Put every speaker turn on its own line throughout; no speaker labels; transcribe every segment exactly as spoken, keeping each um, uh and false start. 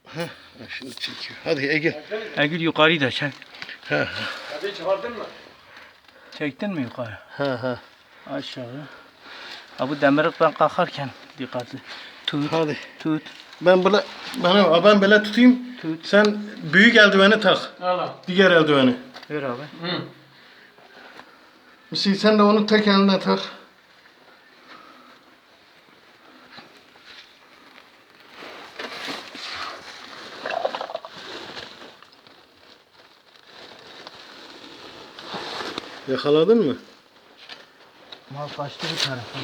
Heh, şimdi çekiyor. Hadi Ege.
Egil yukarıyı da çek.
Ha ha.
Hadi çıkardın mı?
Çektin mi yukarı?
Ha ha.
Aşağı. Ha bu demirlik ben kalkarken dikkatli. Tut.
Hadi.
Tut.
Ben böyle bana ben böyle tutayım.
Tut.
Sen büyük eldiveni tak.
Al al.
Diğer eldiveni.
Ver abi.
Hı.
Hüseyin sen de onu tek eline tak. Yakaladın mı?
Mal kaçtı bu tarafa.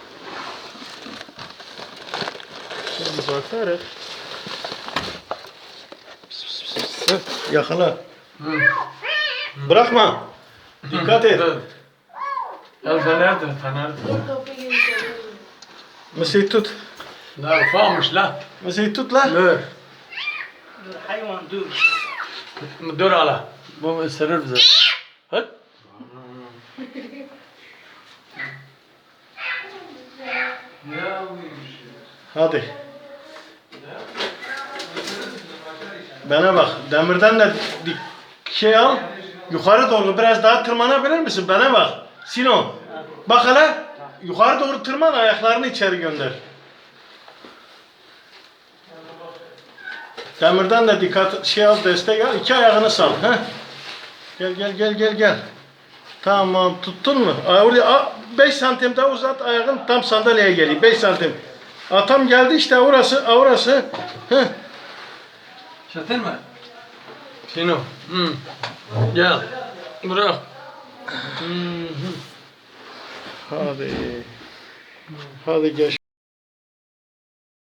Şimdi bakarız. Heh, yakala.
Hı.
Bırakma. Dikkat et.
Dur. El fenerdir fenerdir.
Mesih tut.
La ufamış la.
Mesih tut la.
Dur.
Dur hayvan dur.
Dur ala. Bu ısırır bizi. Hadi.
Hadi. Bana bak. Demirden de dik şey al. Yukarı doğru biraz daha tırmanabilir misin? Bana bak. Sino. Bak hele. Yukarı doğru tırman, ayaklarını içeri gönder. Demirden de dikkat şey al, destek al. İki ayağını sal. Heh. Gel gel gel gel gel. Tamam, tuttun mu? Oraya beş santim daha uzat, ayağın tam sandalyeye geliyor. beş santim. Aa, tam geldi işte orası, orası. Heh.
Çatın mı? Sino. Hı. Gel. Bırak. Hı hı.
Hadi. Hadi gel.